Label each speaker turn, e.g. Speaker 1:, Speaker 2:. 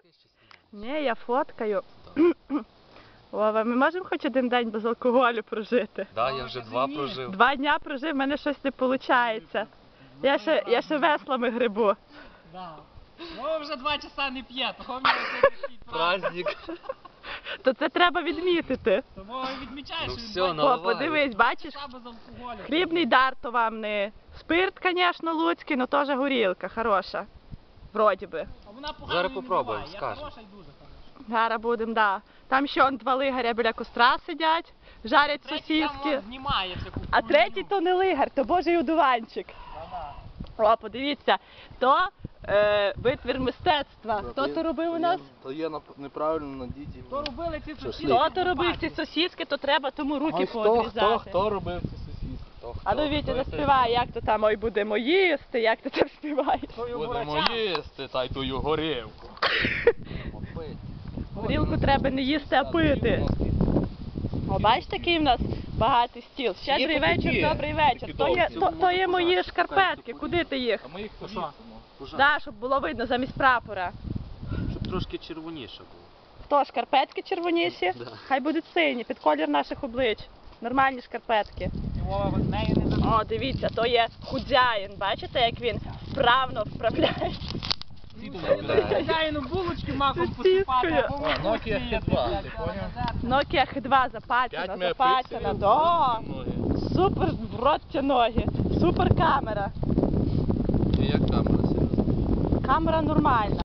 Speaker 1: Ні, я фоткаю. Вова, ми можемо хоч один день без алкоголю прожити?
Speaker 2: Так, я вже 2 прожив.
Speaker 1: 2 дня прожив, в мене щось не виходить. Я ще веслами грибу.
Speaker 3: Да. Вова вже 2 часа не п'є, того в нього сьогодні
Speaker 2: Праздник.
Speaker 1: То це треба відмітити.
Speaker 3: Тому відмічаєш,
Speaker 2: Ну
Speaker 3: що
Speaker 2: все,
Speaker 3: він 2
Speaker 2: наливай.
Speaker 1: О, подивись, бачиш?
Speaker 3: часа без алкоголю.
Speaker 1: Хлібний дар то вам не спирт, звісно, луцький, але теж горілка, хороша. Вроді би.
Speaker 3: А вона погано
Speaker 2: Зараз
Speaker 3: не
Speaker 2: попробуємо,
Speaker 3: буває. Я
Speaker 2: скажемо.
Speaker 3: хороша і дуже хороша.
Speaker 1: Зараз будемо, да. Там ще он 2 лигаря біля костра сидять, жарять
Speaker 3: Третій
Speaker 1: сосиски.
Speaker 3: там знімає всяку
Speaker 1: А третій то не лигар, то божий одуванчик. О, подивіться, то витвір мистецтва. Хто то робив у нас?
Speaker 4: То є неправильно на діті.
Speaker 3: Хто робили ці сусіди?
Speaker 1: Хто то робив ці сосиски, то треба тому руки
Speaker 4: Хто
Speaker 1: поодрізати.
Speaker 4: робив ці сосиски?
Speaker 1: А ну Вітя, заспівай, як то там, ой, будемо їсти, як ти там співаєш.
Speaker 4: Будемо їсти, та й тую горілку.
Speaker 1: Горілку треба не їсти, а пити. О, бачите, який в нас багатий стіл. Щедрий вечір, добрий вечір. То є мої шкарпетки, куди ти їх?
Speaker 4: А ми їх повісимо.
Speaker 1: Да, щоб було видно замість прапора.
Speaker 2: Щоб трошки червоніше було.
Speaker 1: Хто, шкарпетки червоніші?
Speaker 2: Да.
Speaker 1: Хай будуть сині, під колір наших облич. Нормальні шкарпетки.
Speaker 3: І Вова з нею не забув.
Speaker 1: О, дивіться, то є худяїн. Бачите, як він вправно вправляється?
Speaker 3: Хазяїну булочки маком
Speaker 1: Сосискою.
Speaker 3: посипати, а Вова
Speaker 4: Nokia
Speaker 3: вкусує,
Speaker 4: Hit 2,
Speaker 3: блядь,
Speaker 4: ти поняв?
Speaker 1: Nokia H2 запачена, запачена. Да.
Speaker 4: Ноги.
Speaker 1: Супер в рот ті ноги. Супер камера.
Speaker 4: І як камера серйозно?
Speaker 1: Камера нормальна.